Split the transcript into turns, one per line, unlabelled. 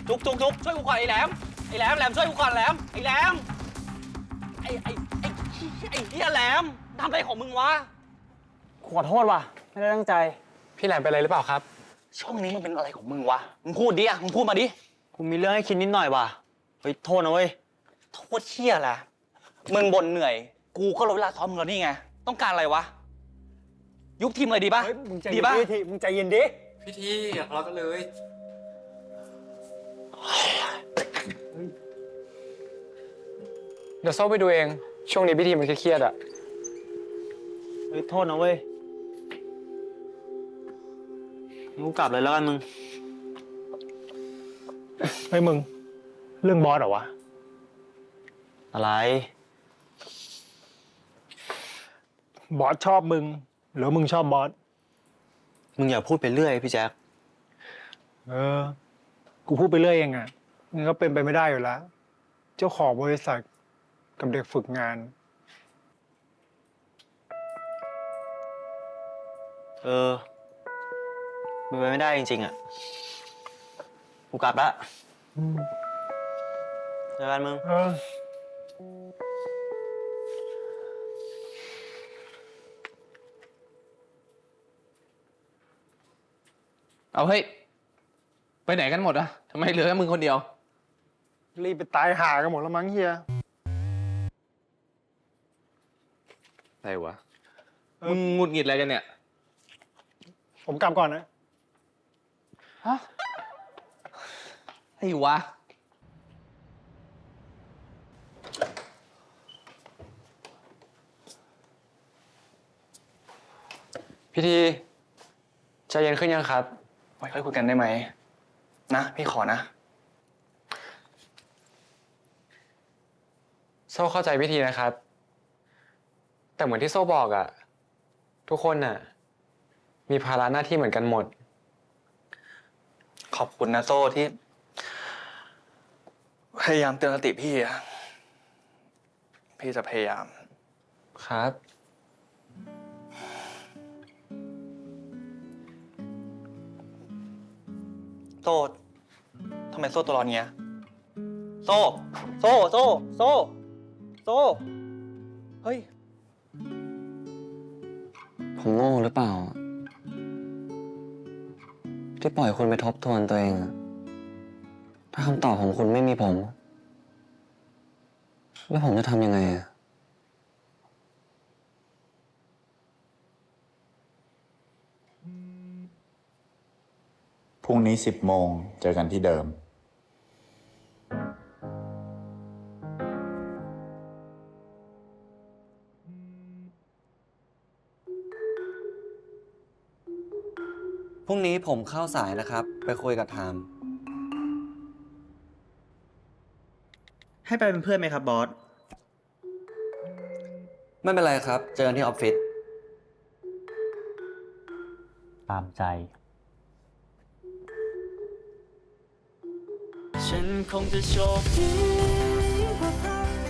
จุกช่วยกูก่อนไอ้แหลมช่วยกูก่อนแหลมไอ้แหลมไอ้เหี้ยแหลมทำอะไรของมึงวะ
ขอโทษว่ะไม่ได้ตั้งใจพี่แหลมเป็นอะไรหรือเปล่าครับ
ช่องนี้มันเป็นอะไรของมึงวะมึงพูดดิมึงพูดมาดิ
กูมีเรื่องให้คิดนิดหน่อยว่ะเฮ้ยโทษนะเว้ย
โทษเหี้ยแหละมึงบ่นเหนื่อยกูก็ลดเวลาซ้อมมึงแล้วนี่ไงต้องการอะไรวะยุบทีมเลยดีป่ะดีป่ะ
มึงใจเย็นดิ
พี่ทีอย่าทะเลาะกันเลยเดี๋ยวโซ่ไปดูเองช่วงนี้พี่ทีมันเครียดๆอ่ะ
เฮ้ยโทษนะเว้ยกูกลับเลยแล้วกันมึง
เฮ้ยมึงเรื่องบอสเหรอวะ
อะไร
บอสชอบมึงหรือมึงชอบบอส
มึงอย่าพูดไปเรื่อยพี่แจ๊ค
กูพูดไปเรื่อยเองอ่ะมันก็เป็นไปไม่ได้อยู่แล้วเจ้าของบริษัทกับเด็กฝึกงาน
มันไปไม่ได้จริงๆอ่ะกูกลับละเจอกันมึง
เอาเฮ้ยไปไหนกันหมดอะทำไมเหลือแค่มึงคนเดียว
รีบไปตายหากันหมดแล้วมั้งเฮีย
อะไรวะมึงหงุดหงิดอะไรกันเนี่ย
ผมกลับก่อนนะ
ฮะไอ้วะพี่ทีใจเย็นขึ้นยังครับ
ไว้ค่อยคุยกันได้ไหมนะพี่ขอนะ
โซ่เข้าใจพี่ทีนะครับแต่เหมือนที่โซ่บอกอะทุกคนน่ะมีภาระหน้าที่เหมือนกันหมด
ขอบคุณนะโซ่ที่พยายามเตือนสติพี่อะพี่จะพยายาม
ครับ
โซ่ทำไมโซ่ตัวร้อนเงี้ยโซ่ เฮ้ย
ผมโง่หรือเปล่าที่ปล่อยคุณไปทบทวนตัวเองถ้าคำตอบของคุณไม่มีผมแล้วผมจะทำยังไง
พรุ่งนี้10 โมงเจอกันที่เดิม
พรุ่งนี้ผมเข้าสายนะครับไปคุยกับไทม์
ให้ไปเป็นเพื่อนไหมครับบอส
ไม่เป็นไรครับเจอกันที่ออฟฟิศตามใจฉันคงจะโชคดีกว่าใคร